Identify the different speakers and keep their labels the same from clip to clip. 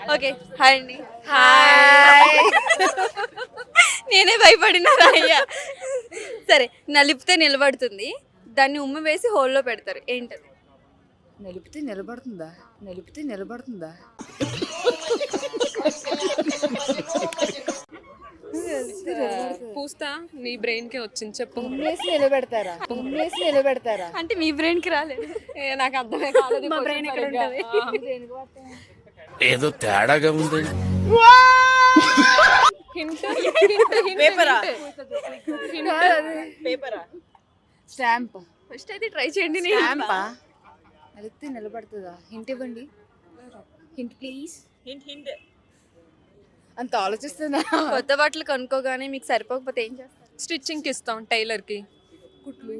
Speaker 1: Okay hi అండి.
Speaker 2: Hi.
Speaker 1: నేనే భయపడినా అయ్యా. సరే, నలిపితే నిలబడుతుంది, దాన్ని ఉమ్మ వేసి హోల్లో పెడతారు, ఏంటది?
Speaker 2: నిలిపితే నిలబడుతుందా? నిలిపితే నిలబడుతుందా?
Speaker 3: పూస్తా నీ బ్రెయిన్ కి వచ్చింది, చెప్పు.
Speaker 2: ఉమ్మేసి నిలబెడతారా? ఉమ్మేసి నిలబెడతారా?
Speaker 1: అంటే మీ బ్రెయిన్ కి రాలేదు.
Speaker 3: నాకు అర్థమే కాలేదు.
Speaker 1: మా బ్రెయిన్ ఎక్కడ ఉంటుంది?
Speaker 4: ఏదో తేడాగా ఉంది.
Speaker 2: స్టాంప్.
Speaker 1: ఫస్ట్ అయితే ట్రై చేయండి.
Speaker 2: స్టాంపా? నిలిపితే నిలబడుతుందా? హింట్ ఇవ్వండి. Hint please. అంత ఆలోచిస్తున్నా.
Speaker 1: కొత్త బట్టలు కొనుక్కోగానే మీకు సరిపోకపోతే ఏం చేస్తారు?
Speaker 3: స్టిచ్చింగ్ కి ఇస్తాం టైలర్ కి.
Speaker 2: కుట్లు.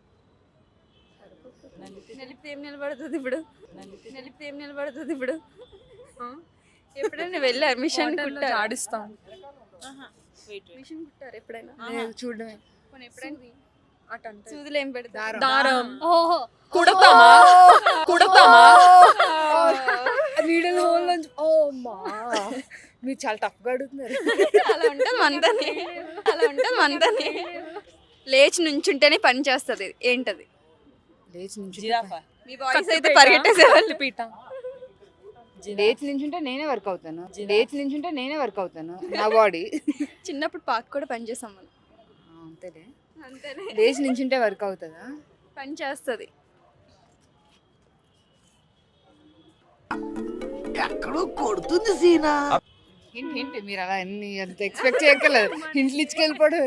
Speaker 1: నలిపితే ఏం నిలబడుతుంది ఇప్పుడు? నలిపితే ఏం నిలబడుతుంది ఇప్పుడు? ఎప్పుడైనా వెళ్ళారు మిషన్ కుట్టారు?
Speaker 3: ఆడిస్తాం.
Speaker 1: మిషన్ కుట్టారు ఎప్పుడైనా?
Speaker 2: లేదు, చూడడమే.
Speaker 1: పోనీ ఎప్పుడైనా
Speaker 3: అటంటే
Speaker 1: సూదులు ఏం పెడతారు?
Speaker 3: దారం.
Speaker 1: ఓహో,
Speaker 3: కుడతామా? కుడతామా?
Speaker 2: నీడల హోల్ నుంచి. ఓ మా, మీరు చాలా టఫ్ గా అడుగుతున్నారు.
Speaker 1: అలా ఉంటుంది మనతోనే, అలా ఉంటుంది మనతోనే. లేచి నుంచుంటేనే పని చేస్తుంది, ఏంటది?
Speaker 2: లేచి నుంచి
Speaker 1: మీ వాయిస్ అయితే పరిగెట్టేసేవాళ్ళు.
Speaker 3: పీట.
Speaker 2: లేచి నించుంటే నేనే వర్క్ అవుతాను. లేచి నించుంటే నేనే వర్క్ అవుతాను. నా బాడీ.
Speaker 1: చిన్నప్పుడు పార్క్ కూడా పని చేసాం మనం.
Speaker 2: అంతేలే.
Speaker 1: అంతేనే,
Speaker 2: లేచి నించుంటే వర్క్ అవుతుందా?
Speaker 1: పని చేస్తుంది.
Speaker 4: ఎక్కడో కొడుతుంది సీనా.
Speaker 2: హింట్ హింట్, మీరు అలా అంత ఎక్స్పెక్ట్ చేయగలరు. హింట్లు ఇచ్చుకెళ్ళిపోవడం.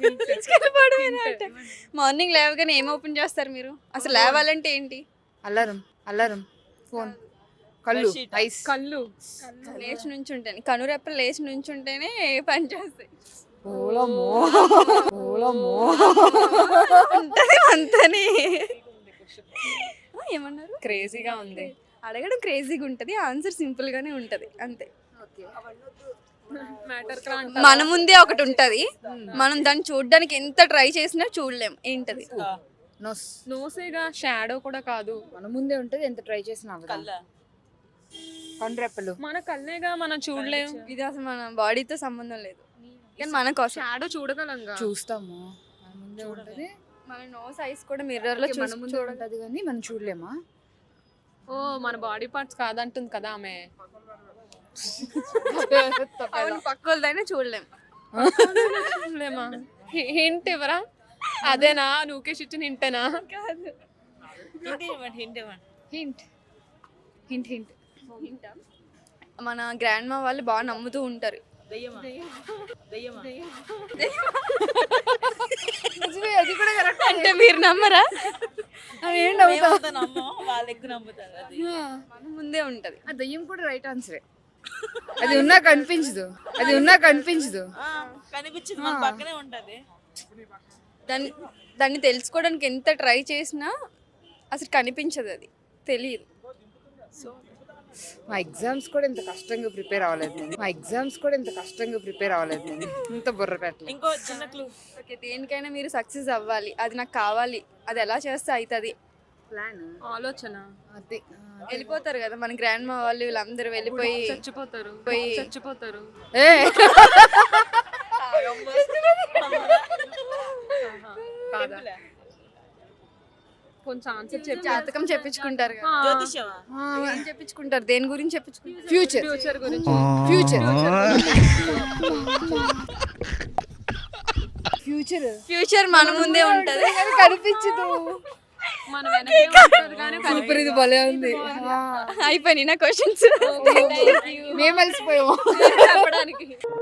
Speaker 1: మార్నింగ్ లేవగానే ఏం ఓపెన్ చేస్తారు మీరు? అసలు లేవాలంటే ఏంటి?
Speaker 2: అల్లారం. అల్లారం. ఫోన్. కళ్ళు. ఐస్.
Speaker 3: కళ్ళు.
Speaker 1: లేచి నుంచుంటేనే, కనురెప్పలు లేచి నుంచుంటేనే పని చేస్తాయి.
Speaker 2: ఓలమ్మో. ఓలమ్మో.
Speaker 1: ఉంటది అంతని. ఏమన్నారు?
Speaker 3: క్రేజీగా ఉంది.
Speaker 1: అడగడం క్రేజీగా ఉంటది, ఆన్సర్ సింపుల్ గానే ఉంటది, అంతే.
Speaker 3: మ్యాటర్
Speaker 1: మన ముందే ఒకటి ఉంటది, మనం దాన్ని చూడడానికి ఎంత ట్రై చేసినా చూడలేం, ఏంటది?
Speaker 2: నోస్.
Speaker 3: నోసేగా, షాడో కూడా కాదు.
Speaker 2: మన ముందే ఉంటది, ఎంత ట్రై చేసినా అవ్వదు. కనురెప్పలు.
Speaker 3: మన కళ్ళేగా, మనం చూడలేం.
Speaker 1: ఇది అసలు మన బాడీతో సంబంధం లేదు, కానీ మన కోసం.
Speaker 3: షాడో చూడగలంగా.
Speaker 2: చూస్తాము. మన ముందే ఉంటది.
Speaker 1: మన నోస్ ఐస్ కూడా మిర్రర్ లో
Speaker 2: మన ముందే ఉంటది కానీ మనం చూడలేమా?
Speaker 3: ఓ, మన బాడీ పార్ట్స్ కాదంటుంది కదా ఆమె.
Speaker 1: పక్క వాళ్ళదైనా చూడలేం.
Speaker 3: చూడలేమా? హింట్ ఇవ్వరా? అదేనా నువ్వుకేసి ఇచ్చిన హింటేనా?
Speaker 1: కాదు.
Speaker 2: హింట్. Hint hint.
Speaker 1: మన గ్రాండ్ మా వాళ్ళు బాగా నమ్ముతూ ఉంటారు.
Speaker 2: అది కూడా కరెక్ట్.
Speaker 1: అంటే మీరు నమ్మరా?
Speaker 2: ఏం నమ్ముతావు?
Speaker 1: మన ముందే ఉంటది.
Speaker 2: ఆ దయ్యం కూడా రైట్ ఆన్సరే. అది ఉన్నా కనిపించదు. అది ఉన్నా కనిపించదు.
Speaker 5: కనిపించదు, మన పక్కనే ఉంటది.
Speaker 1: దాన్ని తెలుసుకోవడానికి ఎంత ట్రై చేసినా అసలు కనిపించదు, అది తెలియదు.
Speaker 2: మా ఎగ్జామ్స్ కూడా ఇంత కష్టంగా ప్రిపేర్ అవ్వలేదు నేను. మా ఎగ్జామ్స్ కూడా ఇంత కష్టంగా ప్రిపేర్ అవ్వలేదు నేను. ఇంత బుర్ర పెట్టలేదు.
Speaker 5: ఇంకో చిన్న క్లూ.
Speaker 1: ఓకే, దేనికైనా మీరు సక్సెస్ అవ్వాలి, అది నాకు కావాలి, అది ఎలా చేస్తే అవుతుంది.
Speaker 2: ప్లాన్.
Speaker 3: ఆలోచన.
Speaker 2: అది.
Speaker 1: వెళ్ళిపోతారు కదా మన గ్రాండ్ మా వాళ్ళు, వీళ్ళందరూ వెళ్ళిపోయి
Speaker 3: చచ్చిపోతారు. చచ్చిపోతారు.
Speaker 2: ఏ
Speaker 3: కాదా? కొంచెం ఆన్సర్ చెప్పి.
Speaker 1: జాతకం చెప్పించుకుంటారు కదా.
Speaker 5: జ్యోతిష్యమా?
Speaker 1: ఏం చెప్పించుకుంటారు? దేని గురించి చెప్పించుకుంటారు?
Speaker 2: ఫ్యూచర్.
Speaker 3: ఫ్యూచర్ గురించి.
Speaker 2: ఫ్యూచర్. ఫ్యూచర్.
Speaker 1: ఫ్యూచర్ మన ముందే ఉంటది,
Speaker 2: కనిపించదు.
Speaker 3: మన వెనకే ఉంటది కానీ
Speaker 2: సూపర్, ఇది భలే ఉంది.
Speaker 1: అయిపోయినాయి నా క్వశ్చన్స్.
Speaker 2: మేము కలిసిపోయాము.
Speaker 3: చెప్పడానికి.